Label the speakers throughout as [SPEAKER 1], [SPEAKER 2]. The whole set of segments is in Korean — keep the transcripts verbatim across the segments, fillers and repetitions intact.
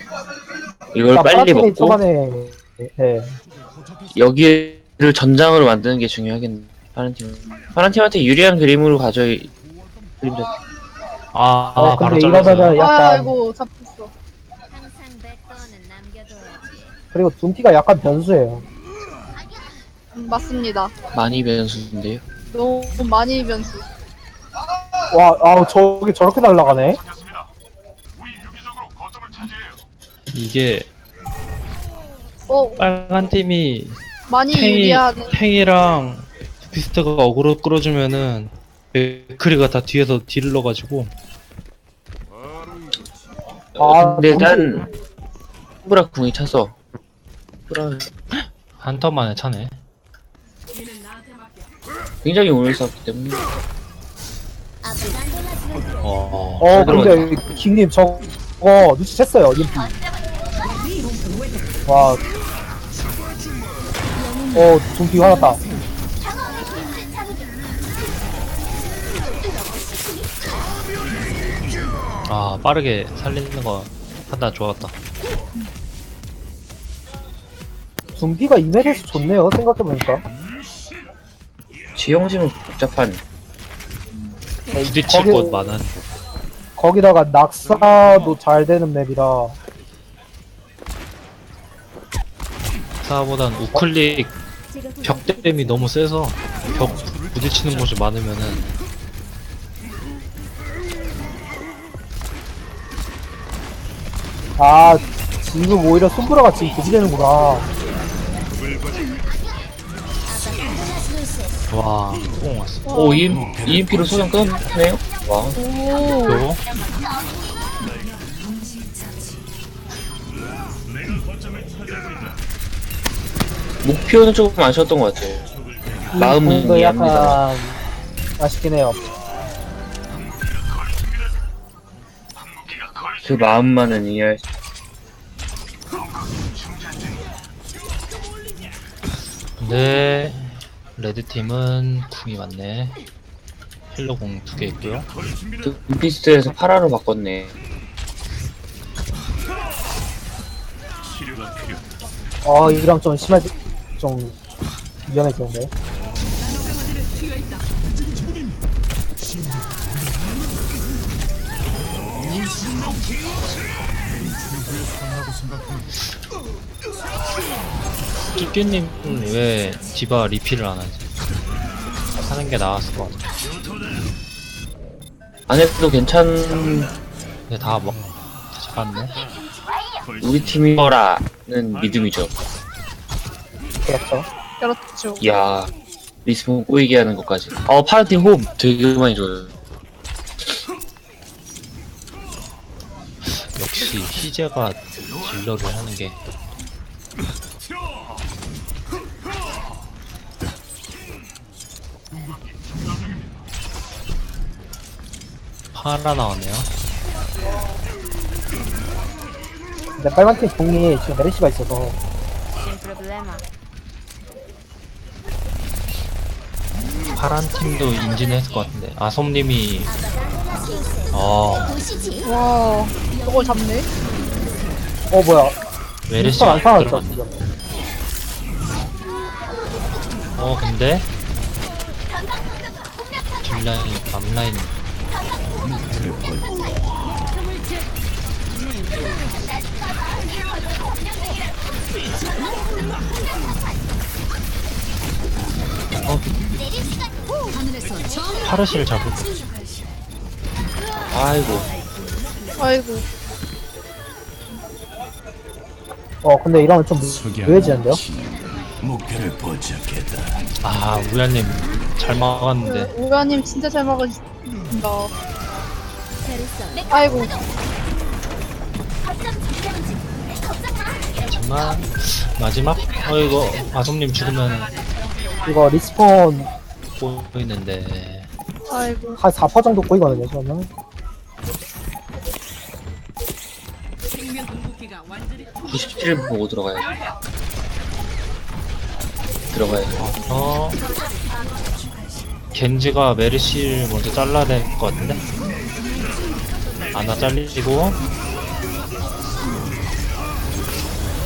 [SPEAKER 1] 이걸
[SPEAKER 2] 자,
[SPEAKER 1] 빨리
[SPEAKER 2] 파란팀이
[SPEAKER 1] 먹고
[SPEAKER 2] 초반에 네.
[SPEAKER 1] 여기를 전장으로 만드는 게 중요하겠네. 파란 팀. 파란 팀한테 유리한 그림으로 가져야 그림자.
[SPEAKER 3] 아,
[SPEAKER 2] 어
[SPEAKER 3] 아 바로
[SPEAKER 2] 근데 이러면은
[SPEAKER 3] 잘랐어요.
[SPEAKER 2] 약간
[SPEAKER 4] 아이고 잡혔어.
[SPEAKER 5] 항상 백도어는 남겨둬야지.
[SPEAKER 2] 그리고 둠피가 약간 변수예요.
[SPEAKER 4] 음, 맞습니다.
[SPEAKER 1] 많이 변수인데요.
[SPEAKER 4] 너무 많이 변수.
[SPEAKER 2] 와, 아우 저기 저렇게 날아가네.
[SPEAKER 3] 이게
[SPEAKER 4] 어
[SPEAKER 3] 빨간 팀이
[SPEAKER 4] 많이
[SPEAKER 3] 팽이,
[SPEAKER 4] 유리하네.
[SPEAKER 3] 팽이랑 비스트가 어그로 끌어주면은 맥크리가 다 뒤에서 딜을 넣어가지고
[SPEAKER 2] 아,
[SPEAKER 1] 근데
[SPEAKER 2] 둠피.
[SPEAKER 1] 난 후브라 궁이 차서 후브라
[SPEAKER 3] 한 턴 만에 차네.
[SPEAKER 1] 굉장히 오래 싸웠기 때문에
[SPEAKER 3] 어,
[SPEAKER 2] 어 근데 킹님 저거 눈치챘어요. 인피. 와. 어 둠피 화났다.
[SPEAKER 3] 아 빠르게 살리는 거 판단 좋았다.
[SPEAKER 2] 둠피가 이메일에서 좋네요. 생각해보니까.
[SPEAKER 1] 지형심은 복잡한
[SPEAKER 3] 부딪힐
[SPEAKER 2] 거기-
[SPEAKER 3] 곳 많은.
[SPEAKER 2] 거기다가 낙사도 잘 되는 맵이라.
[SPEAKER 3] 사보단 우클릭 벽댐이 너무 세서 벽 부딪히는 곳이 많으면은
[SPEAKER 2] 아 지금 오히려 손브라가 지금 부지되는구나.
[SPEAKER 3] 와, 뽕 왔어.
[SPEAKER 1] 오 이엠피로 소장 끊었네요. 와
[SPEAKER 4] 오.
[SPEAKER 3] 그리고
[SPEAKER 1] 목표는 조금 아쉬웠던 것 같아요. 마음은
[SPEAKER 2] 이거
[SPEAKER 1] 이해합니다.
[SPEAKER 2] 약간 아쉽긴 해요.
[SPEAKER 1] 그 마음만은 이해할 수.
[SPEAKER 3] 근데 레드 팀은 궁이 많네. 힐러 궁 두 개 있고요.
[SPEAKER 1] 둠피스트에서 파라로 바꿨네.
[SPEAKER 2] 어 이랑 좀 심할 좀 위험해지는데.
[SPEAKER 3] 쭈쭈님은 왜 디바 리필을 안 하지? 하는 게 나았을 것 같아.
[SPEAKER 1] 안 해도 괜찮.
[SPEAKER 3] 근데 다 뭐, 다 잡았네.
[SPEAKER 1] 우리 팀이라는 믿음이죠.
[SPEAKER 2] 그렇죠.
[SPEAKER 4] 그렇죠.
[SPEAKER 1] 이야 리스폰 꼬이게 하는 것까지. 어 파란팀 호흡 되게 많이 줘요.
[SPEAKER 3] 역시 희재가 딜러를 하는 게 파라 나왔네요.
[SPEAKER 2] 근데 빨간팀 공이 지금 메르시가 있어서
[SPEAKER 5] Sin problema.
[SPEAKER 3] 파란 팀도 인지는 했을 것 같은데 아솜님이 어
[SPEAKER 4] 와 저걸 잡네.
[SPEAKER 2] 어 뭐야
[SPEAKER 3] 메르시
[SPEAKER 2] 안 살았죠
[SPEAKER 3] 들어갔네.
[SPEAKER 2] 지금.
[SPEAKER 3] 어 근데 뒷라인 앞라인 어 파르시를 잡을 거.
[SPEAKER 1] 아이고
[SPEAKER 4] 아이고.
[SPEAKER 2] 어 근데 이러면 좀 무해지는데요?
[SPEAKER 6] 목표를 포착했다.
[SPEAKER 3] 아 우야님 잘 막았는데
[SPEAKER 4] 우가님 진짜 잘 막으신다. 아이고.
[SPEAKER 3] 하지만 마지막 어 이거 아솜님 죽으면
[SPEAKER 2] 이거 리스폰
[SPEAKER 3] 보이는데
[SPEAKER 4] 아이고.
[SPEAKER 2] 한 사 퍼센트 정도 보이거든요 저는.
[SPEAKER 1] 구십칠 분 보고 들어가야지. 들어가야지.
[SPEAKER 3] 어 겐지가 메르시를 먼저 잘라야 될 것 같은데 아나 잘리고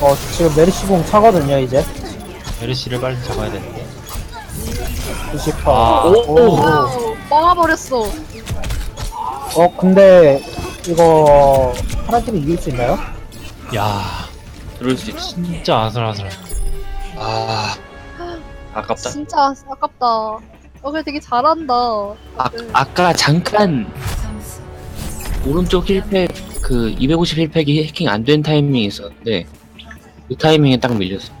[SPEAKER 2] 어, 지금 메르시공 차거든요, 이제.
[SPEAKER 3] 메르시를 빨리 잡아야 되는데.
[SPEAKER 2] 구십 퍼센트.
[SPEAKER 3] 아,
[SPEAKER 2] 오, 오.
[SPEAKER 4] 와우, 막아버렸어.
[SPEAKER 2] 어, 근데, 이거, 파란 팀이 이길 수 있나요?
[SPEAKER 3] 야,
[SPEAKER 1] 그럴 수 있지.
[SPEAKER 3] 진짜 아슬아슬.
[SPEAKER 1] 아, 아깝다.
[SPEAKER 4] 진짜 아깝다. 어, 그래 되게 잘한다.
[SPEAKER 1] 아,
[SPEAKER 4] 네.
[SPEAKER 1] 아까 잠깐 오른쪽 힐팩 그 이백오십 힐팩이 해킹 안 된 타이밍이 있었는데 그 타이밍에 딱 밀렸어.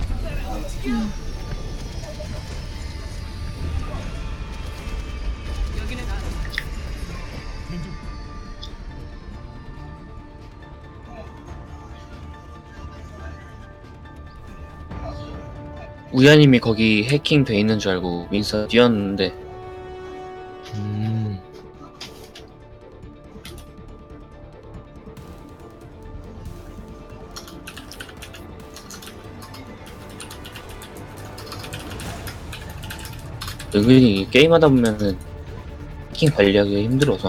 [SPEAKER 1] 우야님이 거기 해킹 돼 있는 줄 알고 윈서 뛰었는데
[SPEAKER 3] 음,
[SPEAKER 1] 은근히 게임하다 보면은 해킹 관리하기가 힘들어서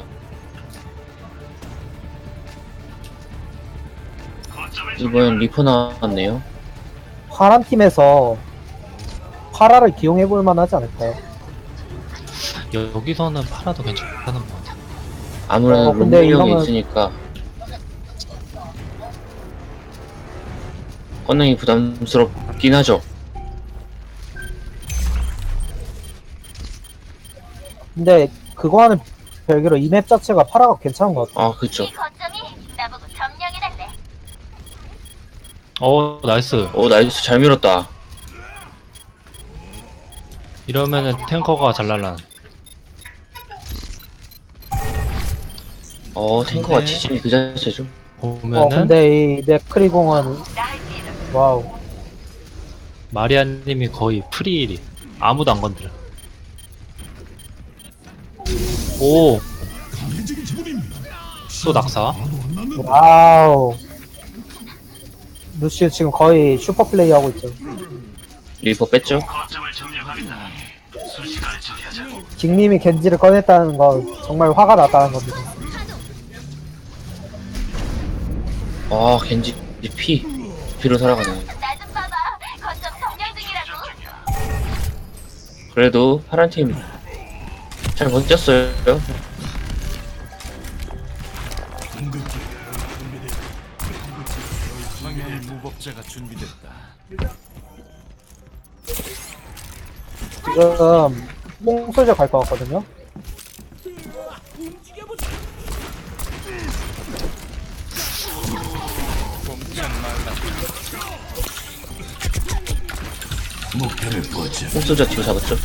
[SPEAKER 1] 이번엔 리퍼 나왔네요.
[SPEAKER 2] 파란 팀에서 파라를 기용해볼 만하지 않을까요?
[SPEAKER 3] 여, 여기서는 팔아도 괜찮은 것 같아.
[SPEAKER 1] 아무래도
[SPEAKER 2] 어, 근데
[SPEAKER 1] 롱밀 형이
[SPEAKER 2] 이러면-
[SPEAKER 1] 있으니까 꺼내기 부담스럽긴 하죠.
[SPEAKER 2] 근데, 그거와는 별개로 이 맵 자체가 파라가 괜찮은 것 같아요.
[SPEAKER 1] 아 그쵸.
[SPEAKER 3] 어, 나이스.
[SPEAKER 1] 오 나이스 잘 밀었다.
[SPEAKER 3] 이러면은 탱커가 잘 날라.
[SPEAKER 1] 어 탱커가
[SPEAKER 3] 네.
[SPEAKER 1] 지진이 그 자체죠.
[SPEAKER 3] 보면은
[SPEAKER 2] 어, 근데 이 네크리공은, 와우.
[SPEAKER 3] 마리아님이 거의 프리일이 아무도 안 건드려. 오, 또 낙사.
[SPEAKER 2] 와우. 루시우 지금 거의 슈퍼 플레이 하고 있죠.
[SPEAKER 1] 리퍼 뺐죠.
[SPEAKER 2] 징님이 겐지를 꺼냈다는 건 정말 화가 났다는 겁니다.
[SPEAKER 1] 아 겐지 피 피로 살아가네. 그래도 파란 팀 잘 버텼어요.
[SPEAKER 6] 방향 무법자가 준비됐다.
[SPEAKER 2] 지금 뽕소저 갈 것 같거든요.
[SPEAKER 6] 목표를 포착.
[SPEAKER 1] 홍소자 뒤로 잡았죠.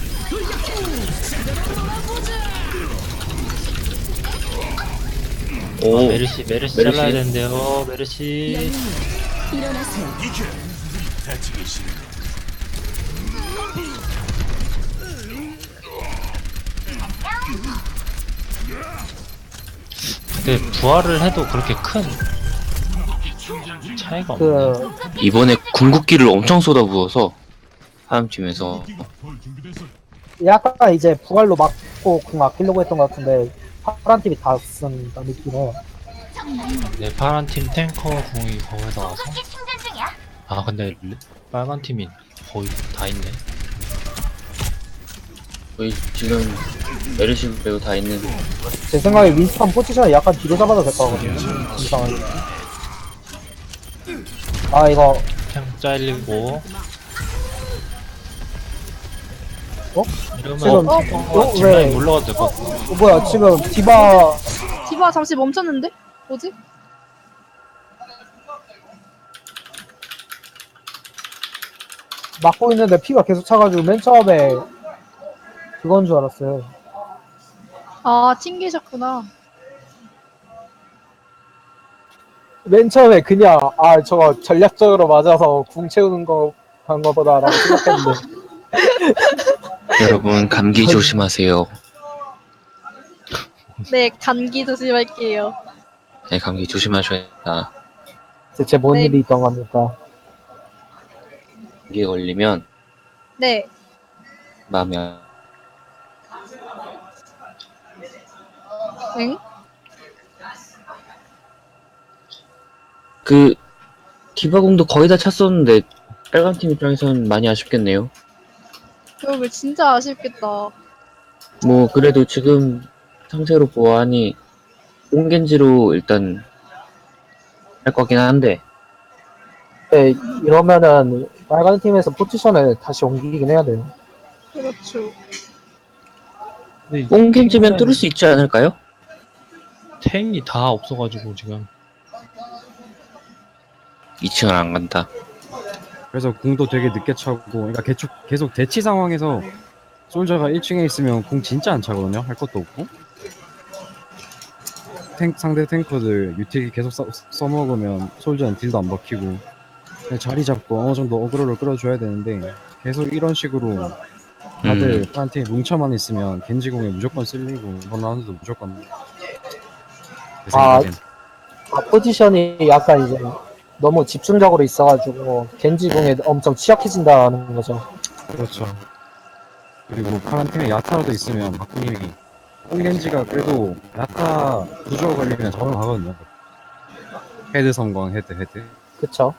[SPEAKER 3] 아,
[SPEAKER 1] 오
[SPEAKER 3] 메르시, 메르시
[SPEAKER 1] 메르시.
[SPEAKER 3] 잘라야 되는데요. 메르시.
[SPEAKER 6] 다치기 싫어.
[SPEAKER 3] 근데 부활을 해도 그렇게 큰 차이가 없네.
[SPEAKER 2] 그,
[SPEAKER 1] 이번에 궁극기를 엄청 쏟아부어서 파란 팀에서
[SPEAKER 2] 약간 이제 부활로 막고 궁 아끼려고 했던 것 같은데, 파란 팀이 다 쓴다 느낌에.
[SPEAKER 3] 네, 파란 팀 탱커 궁이 거기다 와서. 아, 근데 레- 빨간 팀이 거의 다 있네.
[SPEAKER 1] 거의 지금 메르시 배우 다 있는.
[SPEAKER 2] 제 생각에 윈스턴 포지션을 약간 뒤로 잡아도 될 것 같거든요. 이상하게. 아, 이거,
[SPEAKER 3] 탱 잘리고.
[SPEAKER 2] 어?
[SPEAKER 3] 이러면
[SPEAKER 2] 지금,
[SPEAKER 4] 어?
[SPEAKER 2] 어,
[SPEAKER 3] 뒷라인
[SPEAKER 2] 왜,
[SPEAKER 3] 올라가도 될 것 같아.
[SPEAKER 2] 어, 뭐야, 지금 디바,
[SPEAKER 4] 디바 잠시 멈췄는데? 뭐지?
[SPEAKER 2] 막고 있는데 피가 계속 차가지고 맨 처음에 그건 줄 알았어요.
[SPEAKER 4] 아, 튕기셨구나.
[SPEAKER 2] 맨 처음에 그냥, 아, 저거 전략적으로 맞아서 궁 채우는 거, 한 거보다라고 생각했는데.
[SPEAKER 1] 여러분 감기 조심하세요.
[SPEAKER 4] 네, 감기 조심할게요.
[SPEAKER 1] 네 감기 조심하셔야.
[SPEAKER 2] 대체 뭔
[SPEAKER 4] 네.
[SPEAKER 2] 일이 있던 겁니까?
[SPEAKER 1] 감기에 걸리면
[SPEAKER 4] 네.
[SPEAKER 1] 마음이 안-
[SPEAKER 4] 응?
[SPEAKER 1] 그 디바공도 거의 다 찼었는데 빨간 팀 입장에서는 많이 아쉽겠네요.
[SPEAKER 4] 그러게 진짜 아쉽겠다.
[SPEAKER 1] 뭐 그래도 지금 상태로 보아하니 옹겐지로 일단 할 거긴 한데
[SPEAKER 2] 네, 이러면은 빨간 팀에서 포지션을 다시 옮기긴 해야 돼요.
[SPEAKER 4] 그렇죠.
[SPEAKER 3] 근데
[SPEAKER 1] 옹겐지면 뚫을 수 있지 않을까요?
[SPEAKER 3] 탱이 다 없어가지고 지금
[SPEAKER 1] 이 층은 안 간다.
[SPEAKER 7] 그래서 궁도 되게 늦게 차고, 그러니까 계속, 계속 대치 상황에서 솔저가 일 층에 있으면 궁 진짜 안 차거든요. 할 것도 없고. 탱, 상대 탱커들 유틸 계속 써, 써먹으면 솔저는 딜도 안 박히고 그냥 자리 잡고 어느 정도 어그로를 끌어줘야 되는데 계속 이런 식으로 다들
[SPEAKER 1] 음.
[SPEAKER 7] 파란팀 뭉쳐만 있으면 겐지공에 무조건 쓸리고 이번 라운드도 무조건 제
[SPEAKER 2] 아,
[SPEAKER 7] 생각엔.
[SPEAKER 2] 아, 포지션이 약간 이제 너무 집중적으로 있어가지고 겐지궁에 엄청 취약해진다는 거죠.
[SPEAKER 7] 그렇죠. 그리고 파란팀에 야타라도 있으면 박구님이 홍겐지가 그래도 야타 구조 걸리면 저를 가거든요. 헤드 성광 헤드 헤드.
[SPEAKER 2] 그쵸?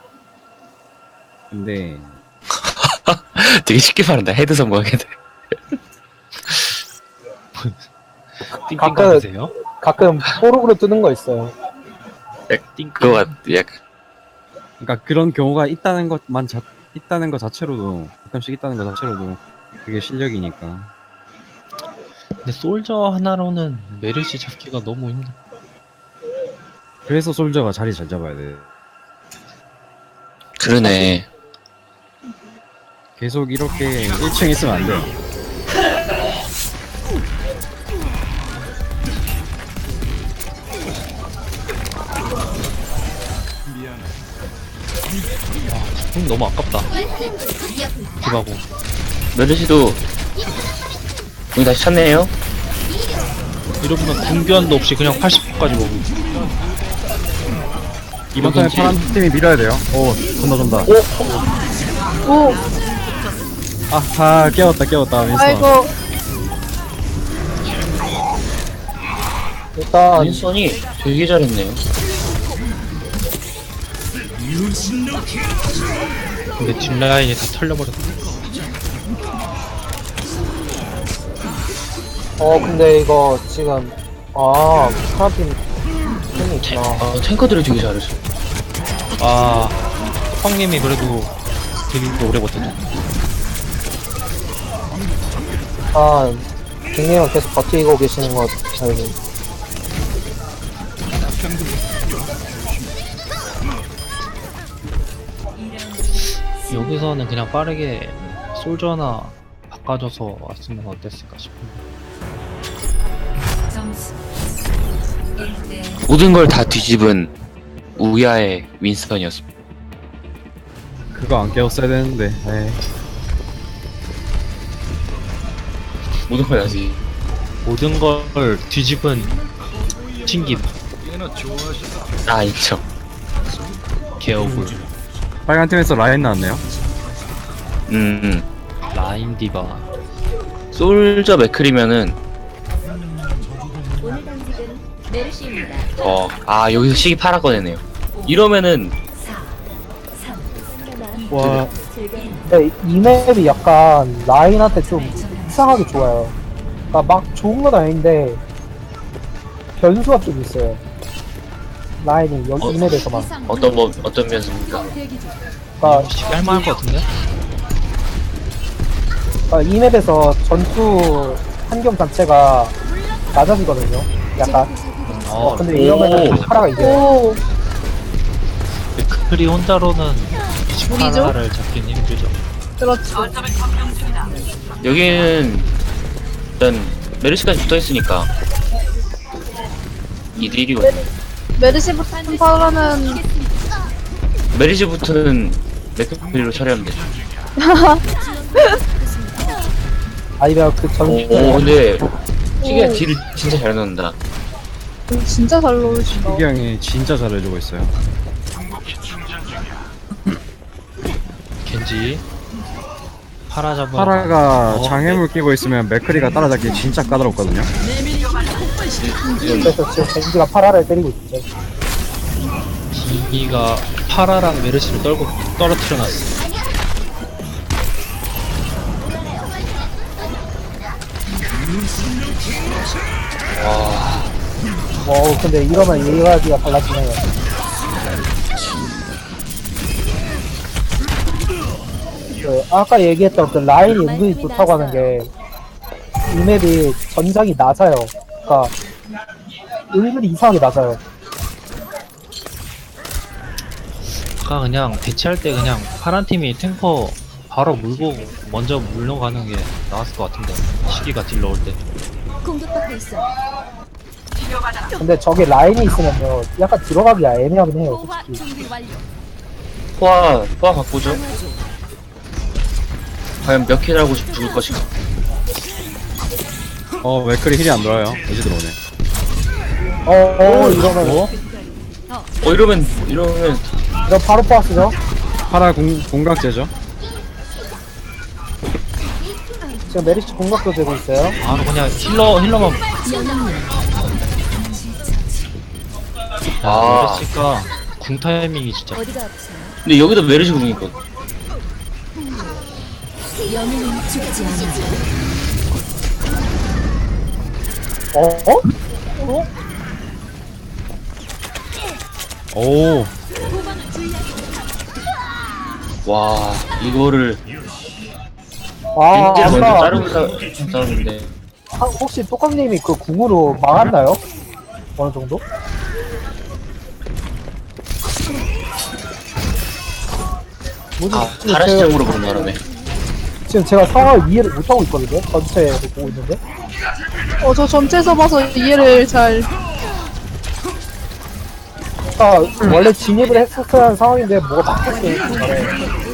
[SPEAKER 7] 근데
[SPEAKER 1] 되게 쉽게 말한다. 헤드 성공 헤드.
[SPEAKER 3] 띵띵
[SPEAKER 2] 가끔-
[SPEAKER 3] 가세요?
[SPEAKER 2] 가끔 뽀록으로 뜨는 거 있어요.
[SPEAKER 1] 그거 같 약간
[SPEAKER 7] 그러니까 그런 경우가 있다는 것만 자, 있다는 것 자체로도 가끔씩 있다는 것 자체로도 그게 실력이니까.
[SPEAKER 3] 근데 솔저 하나로는 메르시 잡기가 너무 힘들어.
[SPEAKER 7] 그래서 솔저가 자리 잘 잡아야 돼.
[SPEAKER 1] 그러네.
[SPEAKER 7] 계속 이렇게 일 층에 있으면 안 돼요.
[SPEAKER 3] 궁 너무 아깝다. 디바고.
[SPEAKER 1] 메르시도 우리 다시 찾네요.
[SPEAKER 3] 이러면 궁변도 없이 그냥 팔십 퍼까지 먹고.
[SPEAKER 7] 이번 턴에 파란 팀이 밀어야 돼요. 오, 존나 존다.
[SPEAKER 4] 오,
[SPEAKER 7] 아, 아 깨웠다 깨웠다 윈스턴.
[SPEAKER 4] 아이고.
[SPEAKER 2] 일단
[SPEAKER 1] 윈선이 되게 잘했네요.
[SPEAKER 3] 근데 뒷라인이 다 털려버렸어.
[SPEAKER 2] 어 근데 이거 지금 아 파란팀 팀이 있구나.
[SPEAKER 1] 아, 탱커들이 되게 잘했어.
[SPEAKER 3] 아, 황님이 그래도 되게 오래 버텼죠.
[SPEAKER 2] 아 빅님은 계속 버티고 계시는 거 알고.
[SPEAKER 3] 여기서는 그냥 빠르게 솔저 하나 바꿔줘서 왔으면 어땠을까 싶은데.
[SPEAKER 1] 모든 걸 다 뒤집은 우야의 윈스턴이었습니다.
[SPEAKER 7] 그거 안 깨웠어야 되는데. 에이.
[SPEAKER 1] 모든 걸 다시.
[SPEAKER 3] 모든 걸 뒤집은 튕김,
[SPEAKER 1] 아 있죠.
[SPEAKER 3] 개어굴,
[SPEAKER 7] 빨간 팀에서 라인 나왔네요.
[SPEAKER 1] 음, 음.
[SPEAKER 3] 라인 디바.
[SPEAKER 1] 솔저 맥클이면은
[SPEAKER 5] 오늘 당직은 메르시입니다.
[SPEAKER 1] 어, 아 여기서 시기 팔아 꺼내네요. 이러면은
[SPEAKER 7] 와,
[SPEAKER 2] 네, 이 맵이 약간 라인한테 좀 이상하게 좋아요. 그러니까 막 좋은 건 아닌데 변수가 좀 있어요. 라인이 여기
[SPEAKER 1] 어,
[SPEAKER 2] 이 맵에서만.
[SPEAKER 1] 어떤 뭐 어떤 면입니까?
[SPEAKER 2] 그러니까,
[SPEAKER 3] 시기 할만할 것 같은데?
[SPEAKER 2] 그러니까 이 맵에서 전투 환경 자체가 낮아지거든요. 약간. 어,
[SPEAKER 3] 어,
[SPEAKER 2] 근데 이러면은 파라가 이겨요.
[SPEAKER 4] 오,
[SPEAKER 3] 크리 혼자로는
[SPEAKER 4] 무리죠?
[SPEAKER 3] 파라를 잡긴 힘들죠.
[SPEAKER 4] 그렇죠.
[SPEAKER 1] 여기는 일단 메르시까지 붙어 있으니까 이들이거든요.
[SPEAKER 4] 메르시부터 파라는
[SPEAKER 1] 메르시부터는 맥클리로 처리하면 되죠.
[SPEAKER 2] 아니면 그
[SPEAKER 1] 오,
[SPEAKER 2] 전투.
[SPEAKER 1] 오 근데 시기가
[SPEAKER 4] 오.
[SPEAKER 1] 딜을 진짜 잘 넣는다.
[SPEAKER 4] 진짜 잘 넣으신다.
[SPEAKER 7] 희기 형이 진짜 잘해주고 있어요.
[SPEAKER 3] 겐지 파라 잡은
[SPEAKER 7] 파라가
[SPEAKER 3] 어,
[SPEAKER 7] 장애물 끼고 있으면 맥크리가 따라잡기 진짜 까다롭거든요.
[SPEAKER 2] 그래서 지금 겐지가 파라를 때리고 있죠.
[SPEAKER 3] 이가 파라랑 메르시를 떨고 떨어뜨려놨어.
[SPEAKER 2] 어 근데 이러면 얘기가 달라지네요. 그 아까 얘기했던 그 라인이 은근히 좋다고 하는 게 이 맵이 전장이 낮아요. 그러니까 은근히 이상하게 낮아요.
[SPEAKER 3] 아까 그냥 대치할 때 그냥 파란 팀이 탱커 바로 물고 먼저 물러가는 게 나았을 것 같은데 시기가 딜 넣을 때.
[SPEAKER 5] 공격받고 있어.
[SPEAKER 2] 근데 저게 라인이 있으면요 약간 들어가기가 애매하긴 해요
[SPEAKER 5] 호화
[SPEAKER 2] 솔직히.
[SPEAKER 5] 준비 완료.
[SPEAKER 1] 포화 포화 바꾸죠.
[SPEAKER 5] 강화 중.
[SPEAKER 1] 과연 몇 킬 하고 죽을 것인가.
[SPEAKER 7] 어 맥클이 힐이 안 돌아요. 이제 들어오네.
[SPEAKER 2] 어, 어 이러면
[SPEAKER 3] 어?
[SPEAKER 1] 어 이러면 이러면
[SPEAKER 2] 이거 바로 포화스죠?
[SPEAKER 7] 파라 공, 공각제죠.
[SPEAKER 2] 지금 메리츠 공격도 되고 있어요.
[SPEAKER 3] 아 그냥 힐러 힐러만.
[SPEAKER 1] 아.
[SPEAKER 3] 아 메르시가 궁 타이밍이 진짜.
[SPEAKER 5] 어디가 아프세요?
[SPEAKER 1] 근데 여기도 메르시 궁이거든.
[SPEAKER 5] 영웅은 죽지 않아.
[SPEAKER 2] 어? 어?
[SPEAKER 7] 오
[SPEAKER 1] 와 이거를
[SPEAKER 2] 아
[SPEAKER 1] 겐지를 먼저
[SPEAKER 2] 아까
[SPEAKER 1] 자르고 싸- 싸우는데
[SPEAKER 2] 하- 혹시 똑감님이 그 궁으로 막았나요? 어느 정도? 뭐지?
[SPEAKER 1] 아
[SPEAKER 2] 지금
[SPEAKER 1] 다른
[SPEAKER 2] 제가-
[SPEAKER 1] 시점으로 그런 바람에
[SPEAKER 2] 지금 제가 상황을 이해를 못하고 있거든요. 전체로 보고 있는데.
[SPEAKER 4] 어, 저 전체에서 봐서 이해를 잘.
[SPEAKER 2] 아 원래 진입을 했었어야 하는 상황인데 뭐가 바뀌었어요. 중간에.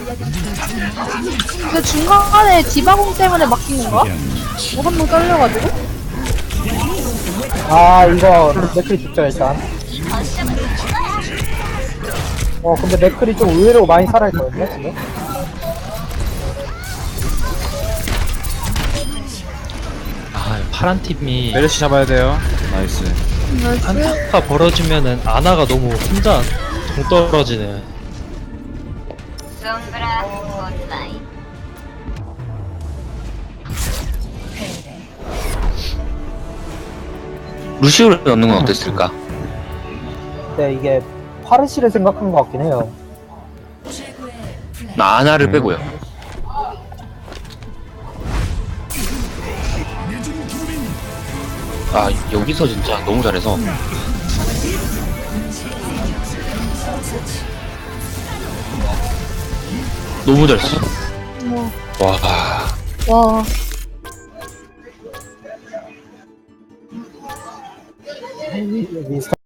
[SPEAKER 4] 근데 중간에 디바공 때문에 막힌 건가? 뭐 한 번 떨려가지고?
[SPEAKER 2] 아 이거 맥클이 죽죠 일단. 어 근데 맥클이 좀 의외로 많이 살아있거든요 지금.
[SPEAKER 3] 아 파란 팀이
[SPEAKER 7] 메르시 잡아야 돼요. 나이스.
[SPEAKER 4] 나이스.
[SPEAKER 3] 한타가 벌어지면은 아나가 너무 혼자 동떨어지네.
[SPEAKER 1] 루시우를 넣는 건 어땠을까?
[SPEAKER 2] 근데 이게 파르시를 생각한 것 같긴 해요.
[SPEAKER 1] 나 아나를
[SPEAKER 7] 음.
[SPEAKER 1] 빼고요. 아 여기서 진짜 너무 잘해서 너무 잘했어.
[SPEAKER 4] 뭐,
[SPEAKER 1] 와
[SPEAKER 4] 와.
[SPEAKER 2] 여기